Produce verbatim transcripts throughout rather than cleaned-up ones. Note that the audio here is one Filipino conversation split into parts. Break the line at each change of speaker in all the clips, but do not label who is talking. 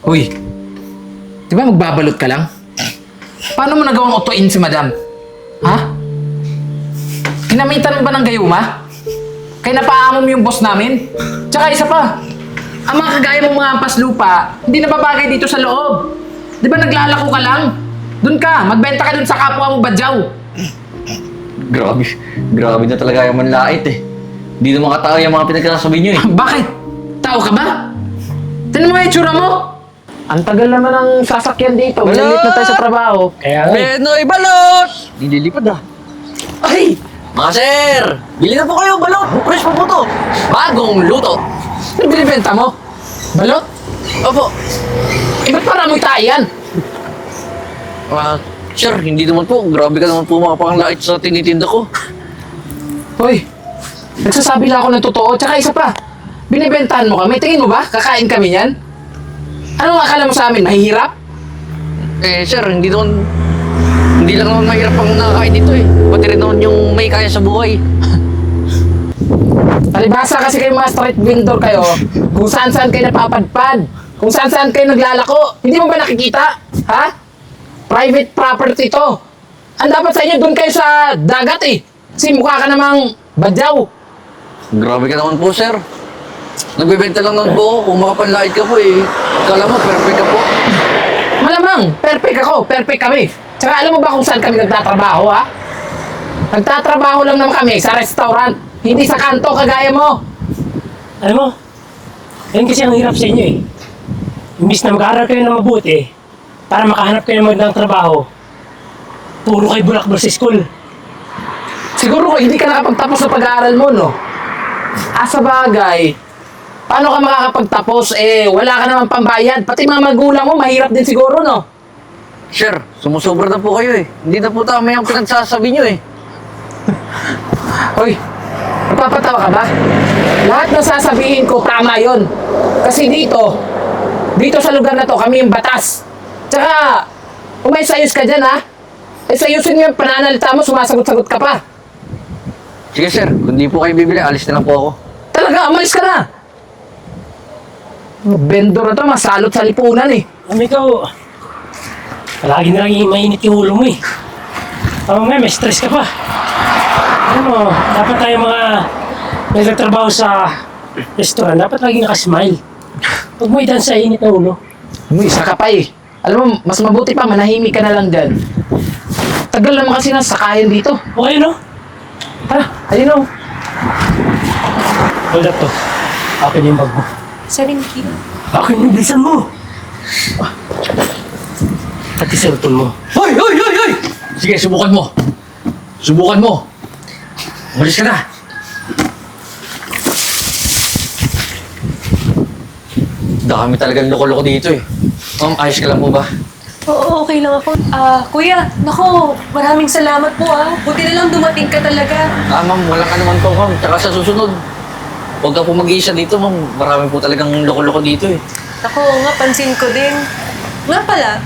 Uy, di ba magbabalot ka lang? Paano mo nagawang utuin si madam? Ha? Kinamitan mo ba ng gayuma? Kaya napaamom yung boss namin? Tsaka isa pa, ang mga kagaya mong mga ampas lupa, hindi na babagay dito sa loob. Di ba naglalako ka lang? Doon ka, magbenta ka dun sa kapwa mo badyaw.
Grabe, grabe na talaga yung manlait eh. Hindi naman katao yung mga pinagkasasabi nyo eh.
Bakit? Tao ka ba? Tinan mo yung itsura mo. Ang tagal naman ng sasakyan dito. Malalit na tayo sa trabaho. Kaya nga.
Penoy balot! Nililipad ah.
Ay!
Mga sir! Bili na po kayo balot! Fresh pa po to! Bagong luto!
Ano binibenta mo? Balot?
Opo.
Eh, ba't parang amoy tayo yan?
Ah, sir, hindi naman po. Grabe ka naman po mga panglait sa tinitinda ko.
Hoy, nagsasabi lang ako ng totoo. Tsaka isa pa, binibentahan mo kami. Tingin mo ba? Kakain kami yan? Anong akala mo sa amin? Mahihirap?
Eh, sir, hindi naman... Hindi lang naman mahirap ang nakakain dito eh. Pati rin naman yung may kaya sa buhay.
Palibhasa kasi kayo mga street vendor kayo, kung saan-saan kayo napapadpad, kung saan-saan kayo naglalako. Hindi mo ba nakikita? Ha? Private property to. Ang dapat sa inyo, doon kayo sa dagat eh. Kasi mukha ka namang badyaw.
Grabe ka naman po, sir. Nagbebenta lang naman po ako. Kung makapanlait ka po eh. Kala mo, perfect ka po.
Malamang, perfect ako, perfect kami. Tsaka alam mo ba kung saan kami nagtatrabaho, ha? Nagtatrabaho lang naman kami sa restaurant, hindi sa kanto kagaya mo.
Alam mo, yan kasi ang hirap sa inyo eh. Imbis na mag-aaral kayo ng mabuti, para makahanap kayo ng magandang trabaho, puro kayo bulakbol sa school.
Siguro kung hindi ka nakapagtapos sa pag-aaral mo, no? Ah, sa bagay, paano ka makakapagtapos? Eh, wala ka naman pambayad. Pati mga magulang mo, mahirap din siguro, no?
Sir, sumusobra na po kayo eh. Hindi na po tama yung pinagsasabi nyo eh.
Hoy, napapatawa ka ba? Lahat ng sasabihin ko, tama yon. Kasi dito, dito sa lugar na to, kami yung batas. Tsaka, kung may sayos ka dyan, ha? Eh, sayusin mo yung pananalita mo, sumasagot-sagot ka pa.
Sige sir, kung di po kayo bibili, alis na lang po ako.
Talaga, umalis ka na. Vendor na to, masalot sa lipunan eh.
Alam mo ikaw, palagi na lang yung mainit yung ulo mo eh. Tama nga, may stress ka pa. Alam mo, dapat tayo mga nagtatrabaho sa restaurant, dapat lagi nakasmile. Huwag mo idan sa init na ulo.
Uy, isa ka pa eh. Alam mo, mas mabuti pa, manahimik ka na lang dyan. Tagal naman kasi nang sakayan dito.
Okay, no?
Tara, ayun o.
Hold up to. Akin yung bag mo.
seventeen.
Akin yung bilisan mo. Ah. Pati cellphone mo.
Hoy! Hoy! Hoy! Hoy! Sige, subukan mo. Subukan mo. Umalis ka na. Dami talagang loko-loko dito eh. Ma'am, ayos ka lang po ba?
Oo, okay lang ako. Ah, kuya, nako, maraming salamat po ah. Buti na lang dumating ka talaga.
Ah, ma'am, wala ka naman po, ma'am. Tsaka sa susunod, huwag ka po mag-iisa dito, ma'am. Marami po talagang loko-loko dito eh.
Ako nga, pansin ko din. Nga pala,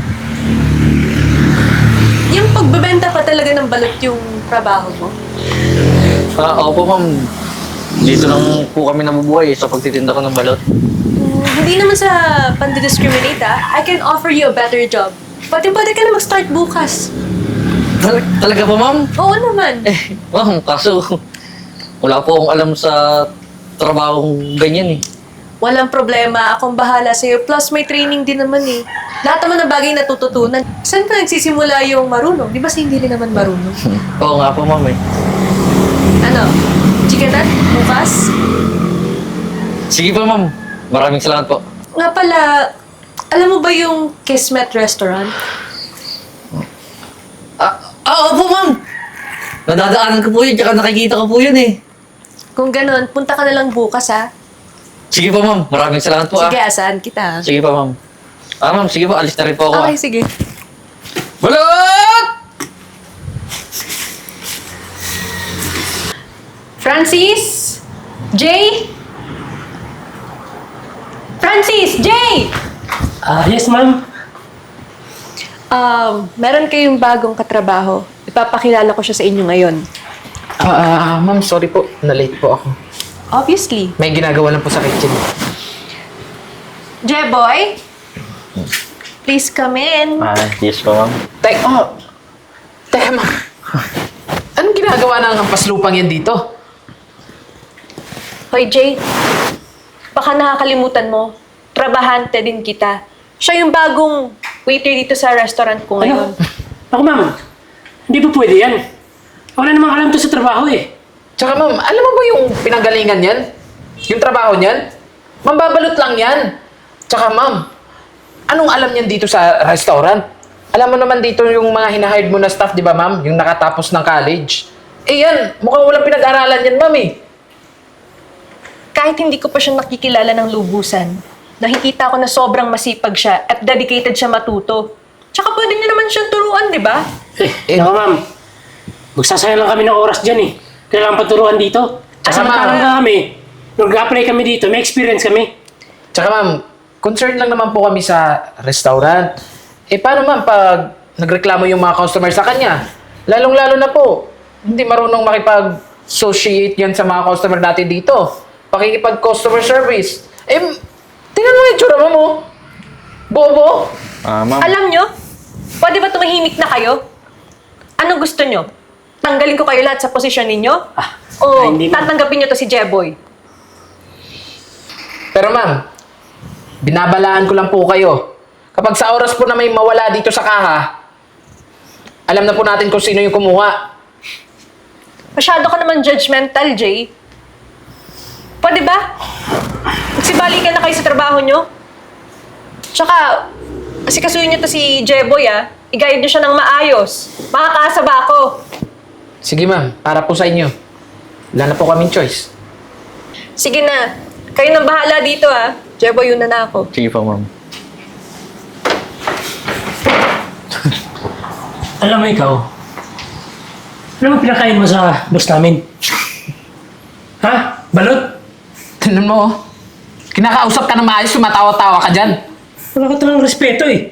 yung pagbebenta pa talaga ng balot yung trabaho mo.
Ah, opo, ma'am. Dito lang po kami nabubuhay eh, sa pagtitinda ko ng balot.
Hmm, hindi naman sa pandidiscriminate ah. I can offer you a better job. Pati pwede ka na mag-start bukas.
Tal- talaga po, ma'am?
Oo naman.
Eh, ma'am, kaso wala po akong alam sa trabahong ganyan eh.
Walang problema. Akong bahala sa'yo. Plus, may training din naman eh. Lahat naman ng bagay natututunan. Saan ka nagsisimula yung marunong? Di ba sa hindi rin naman marunong?
Oo nga po, ma'am eh.
Ano? Chicken nut? Bukas?
Sige po, ma'am. Maraming salamat po.
Nga pala, alam mo ba yung Kismet Restaurant?
Ah, ah opo, ma'am. Nadadaanan ko po yun, tsaka nakikita ko po yun eh.
Kung ganun, punta ka na lang bukas ha.
Sige po, ma'am. Maraming salamat po
Sige,
ah.
asahan kita.
Sige po, ma'am. Ah, ma'am, sige po. Alis na rin po ako
Okay,
ah.
sige.
Balot!
Francis? Jay? Francis! Jay!
Ah, yes, ma'am.
Um, meron kayong bagong katrabaho. Ipapakilala ko siya sa inyo ngayon.
Ah, ah, ma'am, sorry po. Na-late po ako.
Obviously.
May ginagawa lang po sa kitchen.
Jeboy? Please come in.
Ah, yes po, ma'am.
Tek, oh. Teka, ma'am. Anong ginagawa ng paslupang yan dito?
Hoy, Jay. Baka nakakalimutan mo. Trabahante din kita. Siya yung bagong waiter dito sa restaurant ko ngayon.
Ano? Ako, ma'am. Hindi po pwede yan. Wala namang alam to sa trabaho eh.
Tsaka ma'am, alam mo ba yung pinanggalingan yan? Yung trabaho niyan? Mambabalot lang yan. Tsaka ma'am, anong alam niyan dito sa restaurant? Alam mo naman dito yung mga hinahired mo na staff, di ba ma'am? Yung nakatapos ng college. Eh yan, mukhang walang pinag-aralan yan ma'am eh.
Kahit hindi ko pa siya nakikilala ng lubusan, nakikita ko na sobrang masipag siya at dedicated siya matuto. Tsaka pwede niya naman siyang turuan, di ba?
Eh, eh ako, ma'am. Magsasayang lang kami ng oras dyan eh. Kailangan paturuan dito.
Tsaka,
Samantalang
ma'am,
nga kami, nung nag-apply kami dito, may experience kami.
Tsaka ma'am, concerned lang naman po kami sa restaurant. Eh paano ma'am pag nagreklamo yung mga customer sa kanya? Lalong-lalo na po, hindi marunong makipag-associate yan sa mga customer natin dito. Pakikipag-customer service. Eh, tingnan mo yung tsura mo mo. Bobo.
Ah, ma'am.
Alam nyo, pwede ba tumahimik na kayo? Anong gusto nyo? Tanggalin ko kayo lahat sa posisyon ninyo?
Ah,
o
ay, hindi, ma'am.
tatanggapin nyo to si Jeboy?
Pero ma'am, binabalaan ko lang po kayo. Kapag sa oras po na may mawala dito sa kaha, alam na po natin kung sino yung kumuha.
Masyado ka naman judgmental, Jay. Pwede ba? Magsibali ka na kayo sa trabaho nyo. Tsaka, kasi kasuyin nyo to si Jeboy, ah. I-guide nyo siya ng maayos. Makakaasa ba ako?
Sige ma'am, para po sa inyo. Wala na po kaming choice.
Sige na. Kayo nang bahala dito, ah. Jeboy, yun na na ako.
Sige po, ma'am.
Alam mo ikaw, ano mo pinakain mo sa boss namin? Ha? Balot?
Tignan mo, oh. Kinakausap ka ng maayos, sumatawa-tawa ka dyan.
Wala ka talang respeto eh.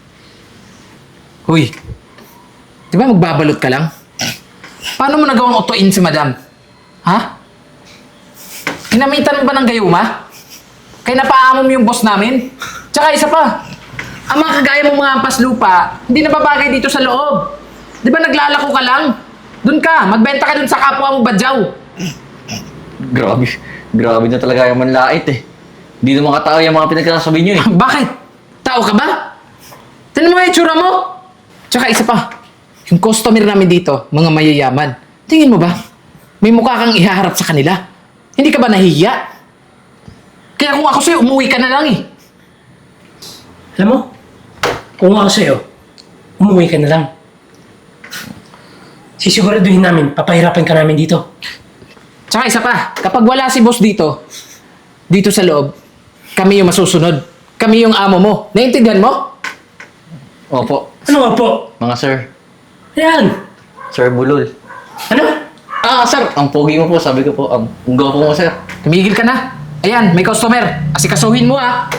Huy, di ba magbabalot ka lang? Paano mo nagawang utuin si madam? Ha? Kinamitan mo ba ng gayuma? Kaya napaamom yung boss namin? Tsaka isa pa, ang mga kagaya mong mga paslupa, hindi na babagay dito sa loob. Di ba naglalako ka lang? Doon ka, magbenta ka dun sa kapwa mo badyaw.
Grabe. Grabe na talaga yung manlait eh. Hindi naman katao yung mga pinagkasabi nyo eh.
Bakit? Tao ka ba? Tignan mo nga yung tsura mo. Tsaka isa pa, yung customer namin dito, mga mayayaman. Tingin mo ba? May mukha kang ihaharap sa kanila. Hindi ka ba nahihiya? Kaya kung ako sa'yo, umuwi ka na lang eh.
Alam mo, kung ako sa'yo, umuwi ka na lang. Sisiguraduhin namin, papahirapan ka namin dito.
Tsaka isa pa, kapag wala si boss dito, dito sa loob, kami yung masusunod. Kami yung amo mo. Naintindihan mo?
Opo.
Ano nga po?
Mga sir.
Ayan.
Sir Bulol.
Ano?
Ah, sir. Ang pogi mo po, sabi ko po. Ang ang gwapo mo, sir.
Tumigil ka na. Ayan, may customer. Asikasuhin mo ah.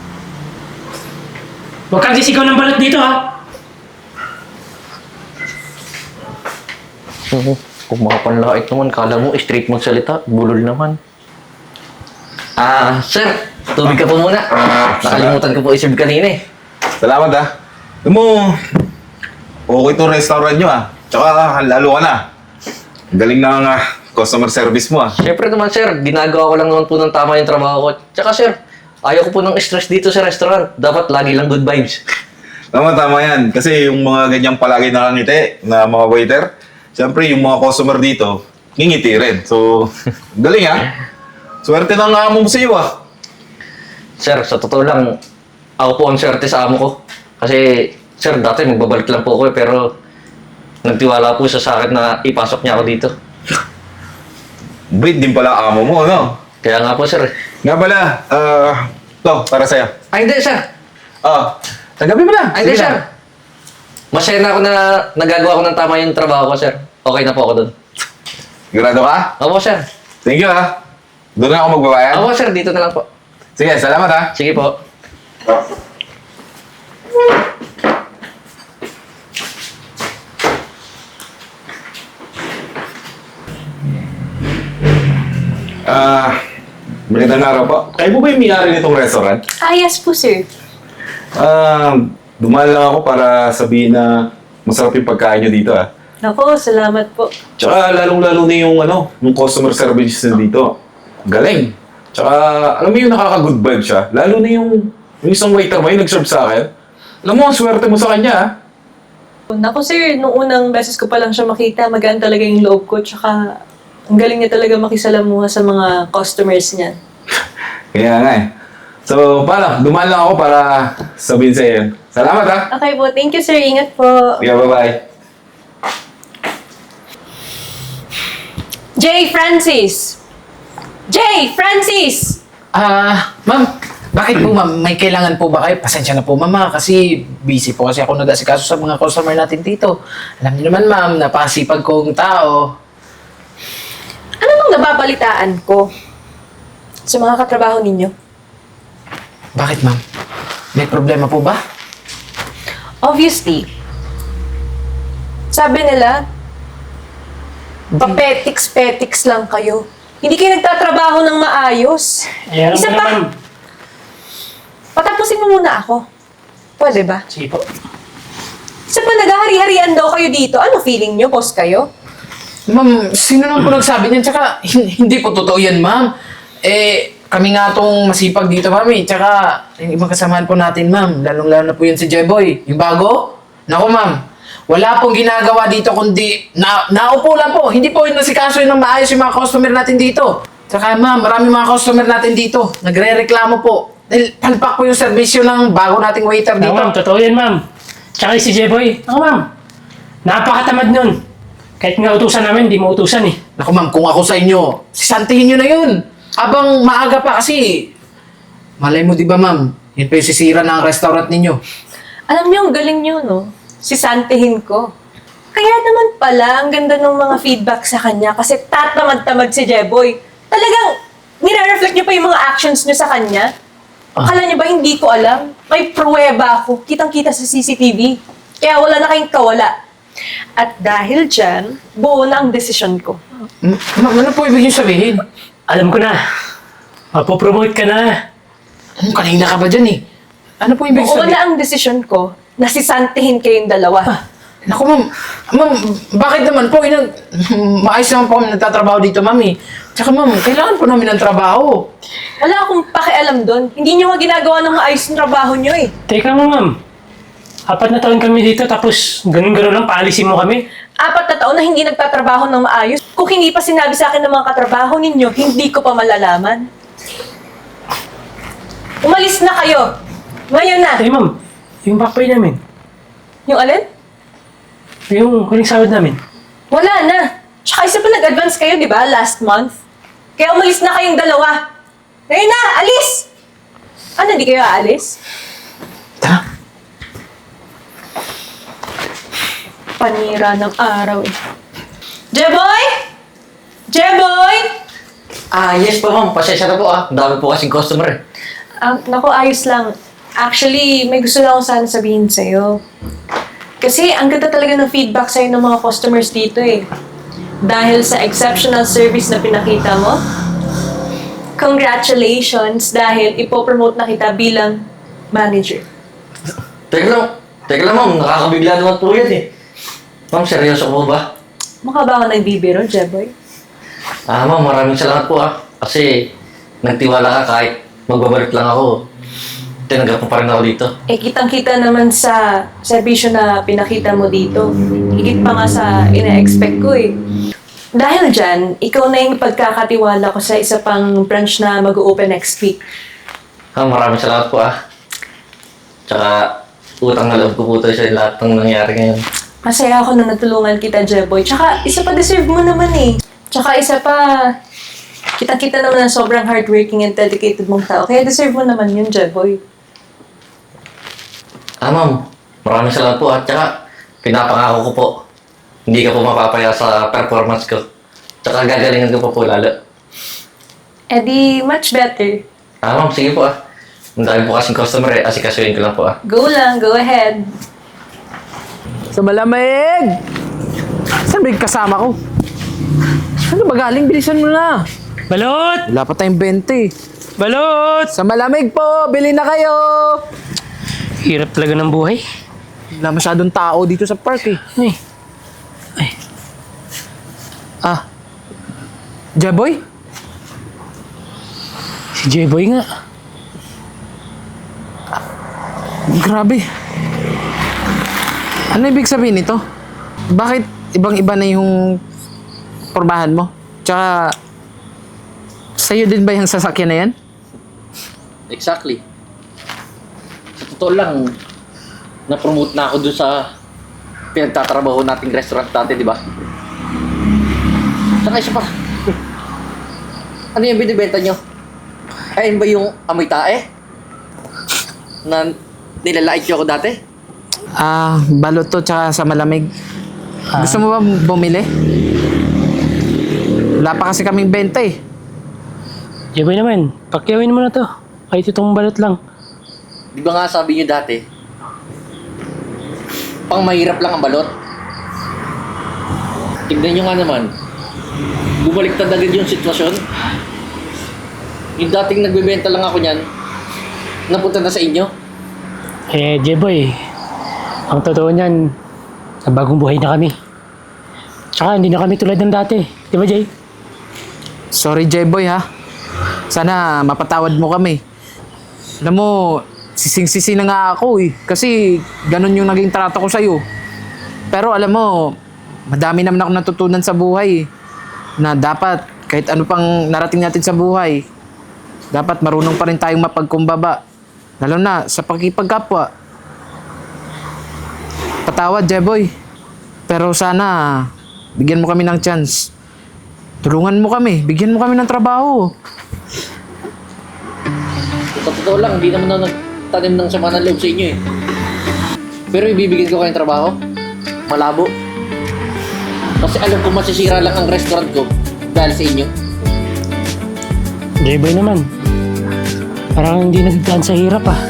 Huwag kang sisigaw ng balot dito ha.
Oo. Kung makapanlait naman, kala mo, straight magsalita. Bulol naman. Ah, sir. Tubig ka po muna. Nakalimutan ko po i-serve kanina eh.
Salamat ah. Alam mo, okay itong restaurant nyo ah. Tsaka lalo ka na. Ang galing na nga customer service mo ah.
Siyempre naman, sir. Ginagawa ko lang naman po ng tama yung trabaho ko. Tsaka, sir, ayaw ko po ng stress dito sa restaurant. Dapat lagi lang good vibes.
Tama, tama yan. Kasi yung mga ganyang palagi nakangiti na mga waiter, siyempre yung mga customer dito, ngingiti rin. So, galing ah. Swerte ng amo mo sa iyo ah.
Sir, sa totoo lang, ako po ang swerte sa amo ko. Kasi, sir, dati magbabalik lang po ako eh, pero nagtiwala po siya sa akin na ipasok niya ako dito.
Breed din pala amo mo, no?
Kaya nga po, sir.
Nga pala, ah, to, para sa'yo.
Ay, hindi, sir.
Ah, tagabi mo na.
Ay, hindi,
Sige
sir.
na.
Masaya na ako na nagagawa ko ng tama yung trabaho ko, sir. Okay na po ako doon.
Sigurado ka?
Opo, sir.
Thank you ah. Doon na ako magbabayad.
Opo, sir. Dito na lang po.
Sige, salamat ah.
Sige po.
Ah, magandang araw po. Kayo po ba yung may-ari nitong restaurant?
Ah, yes po, sir.
Ah, dumaan lang ako para sabihin na masarap yung pagkain nyo dito ah.
Nako, salamat po.
Tsaka lalong-lalo na yung ano, yung customer service na dito. Galing. Tsaka alam mo yung nakaka-good vibe siya. Lalo na yung, yung isang waiter mo yung nag-serve sa akin. Alam mo, ang swerte mo sa kanya ah.
Nako sir, nung unang beses ko pa lang siya makita, magaan talaga yung loob ko. Tsaka, ang galing niya talaga makisalamuha sa mga customers niya.
Kaya nga eh. So, paano? Dumaan lang ako para sabihin sa iyo. Salamat ah.
Okay po, thank you sir. Ingat po.
Yeah, bye-bye.
Jay Francis! Jay Francis!
Ah, ma'am, bakit po ma'am? May kailangan po ba kayo? Pasensya na po ma'am, ah, kasi busy po kasi ako nag-asikaso sa mga customer natin dito. Alam niyo naman ma'am, napasipag kong tao.
Ano bang nababalitaan ko sa mga katrabaho ninyo?
Bakit ma'am? May problema po ba?
Obviously, sabi nila, papetiks-petiks lang kayo. Hindi kayo nagtatrabaho ng maayos.
Eh, alam
Isa
mo
pa,
naman.
patapusin mo muna ako. Pwede ba?
Sige po.
Isa pa, naghahari-harian daw kayo dito. Ano feeling nyo? Boss kayo?
Ma'am, sino naman po nagsabi niyan? Tsaka, hin- hindi po totoo yan ma'am. Eh, kami nga tong masipag dito ma'am eh. Tsaka, yung ibang kasamahan po natin ma'am. Lalong-lalo na po yun si Jeboy. Yung bago? Naku ma'am, wala pong ginagawa dito kundi na, naupo lang po. Hindi po yun nasikaso yun ng maayos yung mga customer natin dito. Tsaka ma'am, marami mga customer natin dito. Nagre-reklamo po. Dahil palpak po yung serbisyo ng bago nating waiter
No,
dito.
ma'am, totoo yan, ma'am. Tsaka si Jeboy, ako, ma'am. Napakatamad nun. Kahit nga utusan namin, di mo utusan eh.
Naku ma'am, kung ako sa inyo, sisantihin nyo na yun. Habang maaga pa kasi, malay mo di ba ma'am, yun pa yung sisira ng restaurant ninyo.
Alam niyo, ang galing niyo, no? Sisantihin ko. Kaya naman pala, ang ganda ng mga feedback sa kanya kasi tatamad-tamad si Jeboy. Talagang, nire-reflect niyo pa yung mga actions niyo sa kanya. Akala niyo ba hindi ko alam? May pruweba ako. Kitang-kita sa C C T V. Kaya wala na kayong kawala. At dahil dyan, buo na ang desisyon ko.
M- ma'am, ano po ibig nyo sabihin?
Alam ko na. Mapopromote ka na.
Hmm, kanina ka ba dyan eh? Ano po ibig
Buo
sabihin?
na ang desisyon ko na sisantihin kayong dalawa.
Naku ma'am, ma'am, bakit naman po? Inang, maayos naman po kami nagtatrabaho dito ma'am eh. Tsaka ma'am, kailangan po namin ng trabaho.
Wala akong pakialam doon. Hindi niyo nga ginagawa ng maayos yung trabaho niyo eh.
Teka mo, ma'am. Apat na taon kami dito, tapos ganun-ganun lang, paalisin mo kami.
Apat na taon na hindi nagtatrabaho ng maayos. Kung hindi pa sinabi sa akin ng mga katrabaho ninyo, hindi ko pa malalaman. Umalis na kayo. Ngayon na.
Eh, ma'am, yung back pay namin.
Yung alin?
Yung huling sahod namin.
Wala na. Tsaka isa pa nag-advance kayo, di ba? Last month. Kaya umalis na kayong dalawa. Ngayon na, alis! Ano, di kayo aalis?
Tara.
Panira ng araw eh. Jeboy! Jeboy!
Ah, yes po ma'am. Pasensya na po ah. Ang dami po kasing customer eh.
Ah, naku, ayos lang. Actually, may gusto lang ako sana sabihin sa'yo. Kasi ang ganda talaga ng feedback sa'yo ng mga customers dito eh. Dahil sa exceptional service na pinakita mo, congratulations dahil ipopromote na kita bilang manager.
Teka lang. Teka lang ma'am. Nakakabigla naman po yan eh. Ma'am, seryoso po ba?
Mukha ba ako nagbibiro, Jeboy?
Ah, ma'am, maraming salamat po ah. Kasi nagtiwala ka kahit magbabalik lang ako. Tinanggap mo pa rin ako dito.
Eh, kitang-kita naman sa serbisyo na pinakita mo dito. Higit pa nga sa ina-expect ko eh. Dahil dyan, ikaw na yung pagkakatiwala ko sa isa pang branch na mag-open next week.
Ah, maraming salamat po ah. Tsaka, utang na loob ko po tayo sa lahat ng nangyari ngayon.
Masaya ako na natulungan kita, Jeboy. Tsaka, isa pa deserve mo naman eh. Tsaka, isa pa, kitang-kita naman na sobrang hardworking and dedicated mong tao. Kaya deserve mo naman yun, Jeboy.
Ah, ma'am. Maraming salamat po at tsaka, pinapangako ko po. Hindi ka po mapapaya sa performance ko. Tsaka gagalingan ko pa po lalo.
Eh di, much better.
Ah, ma'am, sige po ah. Ang dami po kasing customer eh. Asikasuhin ko lang po ah.
Go lang, go ahead.
Sa malamig! Saan ba yung kasama ko? Ano ba galing? Bilisan mo na.
Balot!
Wala pa tayong bente.
Balot!
Sa malamig po, bili na kayo!
Hirap talaga ng buhay.
Wala masyadong tao dito sa park eh.
Ay,
Ah, Jeboy?
si J-Boy nga.
Grabe. Ano ibig sabihin nito? Bakit ibang-iba na yung pormahan mo? Tsaka, sa'yo din ba yung sasakyan na yan?
Exactly. Sa totoo lang, na-promote na ako dun sa pinagtatrabaho nating restaurant dati, di ba? Saka isa pa. Ano yung binibenta nyo? Ayun ba yung amoy tae? Na nilalait nyo ako dati?
Ah, balot to tsaka sa malamig. Gusto mo ba bumili? Wala pa kasi kaming benta eh.
J-Boy naman, pakyawin mo na to. Kahit itong balot lang.
Di ba nga sabi nyo dati? Pang mahirap lang ang balot. Tignan nyo nga naman. Bumaliktad agad yung sitwasyon. Yung dating nagbebenta lang ako niyan, napunta na sa inyo.
Eh, J-Boy, ang totoo niyan, sa bagong buhay na kami. Tsaka hindi na kami tulad ng dati. Di ba, Jay?
Sorry J-Boy ha. Sana mapatawad mo kami. Alam mo, sising-sisi na nga ako eh. Kasi ganun yung naging trato ko sa'yo. Pero alam mo, madami naman ako natutunan sa buhay eh. Na dapat, kahit ano pang narating natin sa buhay, dapat marunong pa rin tayong mapagkumbaba. Lalo na sa pagkipagkapwa. Patawad, Jeboy. Pero sana, bigyan mo kami ng chance. Tulungan mo kami. Bigyan mo kami ng trabaho.
Sa totoo lang, hindi naman ako nagtanim ng sama ng loob sa inyo eh. Pero ibibigyan ko kayong trabaho, malabo. Kasi alam ko masisira lang ang restaurant ko dahil sa inyo.
J-Boy naman, parang hindi nagdaan sa hirap ah.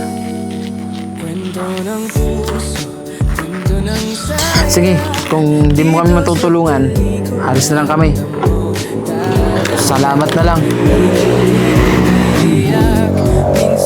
Sige, kung di mo kami matutulungan, alis na lang kami. Salamat na lang.